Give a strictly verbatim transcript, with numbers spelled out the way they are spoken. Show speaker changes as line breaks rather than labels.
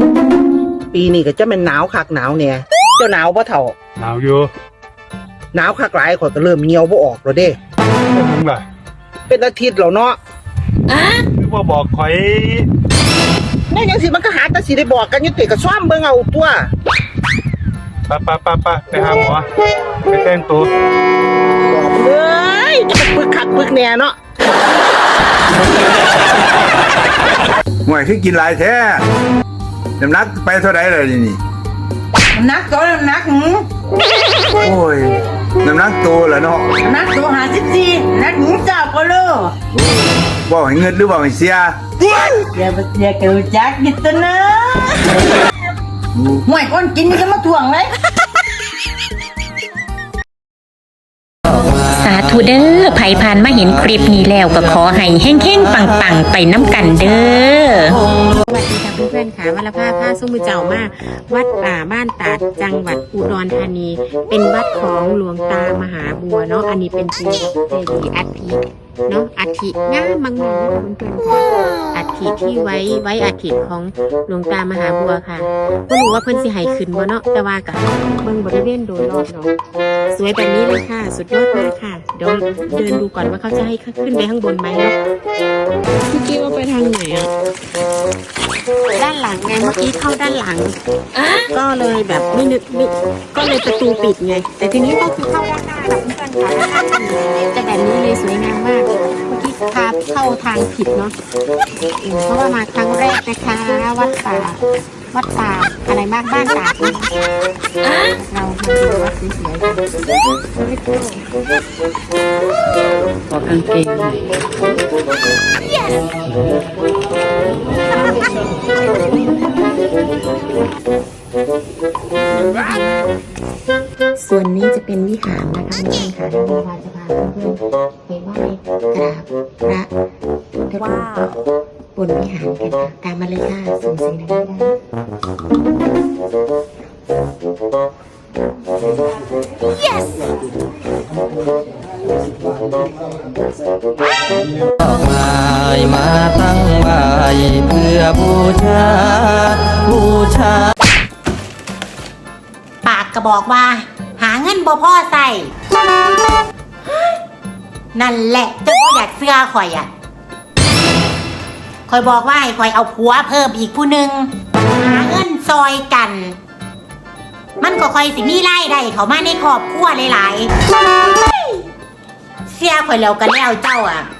ปีนี้ก็จะเป็นหนาวคักหนาวเนี่ยเจ้าหนาวบ่เท่า
หนาวอยู่
หนาวคักหลายข่อยก็เริ่มเหี่ยวบ่ออกแล้วเด้
เป็นยังไง
เป็นอาทิตย์แล้วเนาะ
คือว่าบอกข่อย
แม่ยังสิมันก็หาแต่สิได้บอกกันอยู่ติก็ซ้อมเบิ่งเอาตัว
ปะปะปะปะไปหาหมอไปแต่งตัว
บอกเลยจะไปปึกคักปึกแน่เนาะ
ห่วยคือกินหลายแท้น้ำหนักไปเท่าไหร่เลยนี่
น้ำหนักตัวน้ำหนักหืม
โอ้ยน้ำหนักตัวเหรอเนาะ
น้ำหนักตัวหาสิบสี่นักหืมเจ้าก็เลย
ว่าให้เงินหรือว่าให้เสีย
อย่าไปเสียเกี่ยวจักกินตัวนะห่วยคนกินนี่ก็มาถ่วงเลย
สาธุเด้อไผผ่านมาเห็นคลิปนี้แล้วก็ขอให้แห้งๆปังๆไปน้ำกันเด้อ
สวัสดีค่ะเพื่อนๆค่ะวัลภาผ้าส้มมือเจ้ามาวัดป่าบ้านตาดจังหวัดอุดรธานีเป็นวัดของหลวงตามหาบัวเนาะอันนี้เป็นเจดีย์อัฐิเนาะอัฐิงามมากๆเพื่อนๆค่ะอัฐิที่ไว้ไว้อัฐิของหลวงตามหาบัวค่ะก็รู้ว่าเพิ่นสิให้ขึ้นบ่เนาะแต่ว่าก็เบิ่งบริเวณโดยรอบเนาะสวยแบบนี้เลยค่ะสุดยอดมากค่ะเดี๋ยวเดินดูก่อนว่าเขาจะให้ขึ้นไปข้างบนไหมเนาะเมื่อกี้ว่าไปทางไหนอ่ะด้านหลังไงเมื่อกี้เข้าด้านหลังก็เลยแบบไม่นึกไม่ก็เลยประตูปิดไงแต่ทีนี้ก็คือเข้าด้านหน้าแบบเพื่อนๆค่ะแต่แบบนี้เลยสวยงามมากเมื่อกี้พาเข้าทางผิดเนาะเพราะว่ามาครั้งแรกนะคะวัดป่าวัดป่าอะไรมากบ้านตาดเรามาดูวัดสวยๆกันขอกางเกงส่วนนี้จะเป็นวิหารนะคะเพื่อนค่ะที่พาจะพาเพื่อนๆไปไหว้กราบพระพุทธรูปบนวิหารกันค่ะตามมาเลยค่ะส่งเสียงดังๆYes
มาตั้งไว้เพื่อบูชาบูชา
ปากก็บอกว่าหาเงินบ่พ่อใส่นั่นแหละเจ้าพ่ออยากเสื้อข่อยอ่ะข่อยบอกว่าให้ข่อยเอาผัวเพิ่มอีกผู้หนึ่งหาเงินซอยกันมันก็ค่อยสิมีรายได้เขามาในครอบครัวหลายๆเสียข่อยแล้วกันแล้วเจ้าอ่ะ